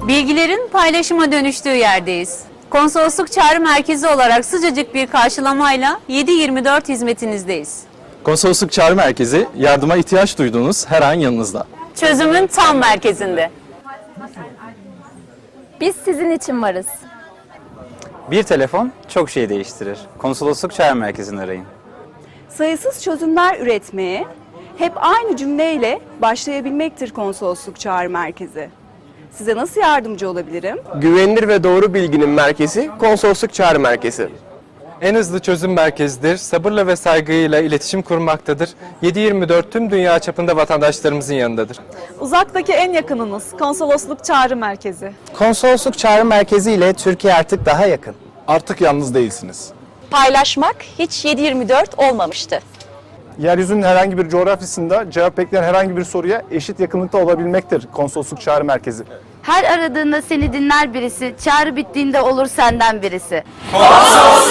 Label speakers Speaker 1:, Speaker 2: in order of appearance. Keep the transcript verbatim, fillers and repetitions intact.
Speaker 1: Bilgilerin paylaşıma dönüştüğü yerdeyiz. Konsolosluk Çağrı Merkezi olarak sıcacık bir karşılamayla yedi yirmi dört hizmetinizdeyiz.
Speaker 2: Konsolosluk Çağrı Merkezi, yardıma ihtiyaç duyduğunuz her an yanınızda.
Speaker 1: Çözümün tam merkezinde.
Speaker 3: Biz sizin için varız.
Speaker 4: Bir telefon çok şey değiştirir. Konsolosluk Çağrı Merkezi'ni arayın.
Speaker 5: Sayısız çözümler üretmeye, hep aynı cümleyle başlayabilmektir Konsolosluk Çağrı Merkezi. Size nasıl yardımcı olabilirim?
Speaker 6: Güvenilir ve doğru bilginin merkezi Konsolosluk Çağrı Merkezi.
Speaker 7: En hızlı çözüm merkezidir. Sabırla ve saygıyla iletişim kurmaktadır. yedi yirmi dört tüm dünya çapında vatandaşlarımızın yanındadır.
Speaker 8: Uzaktaki en yakınınız Konsolosluk Çağrı Merkezi.
Speaker 9: Konsolosluk Çağrı Merkezi ile Türkiye artık daha yakın.
Speaker 10: Artık yalnız değilsiniz.
Speaker 3: Paylaşmak hiç yedi yirmi dört olmamıştı.
Speaker 10: Yeryüzünün herhangi bir coğrafyasında cevap bekleyen herhangi bir soruya eşit yakınlıkta olabilmektir Konsolosluk Çağrı Merkezi.
Speaker 11: Her aradığında seni dinler birisi, çağrı bittiğinde olur senden birisi.
Speaker 12: Konsolosluk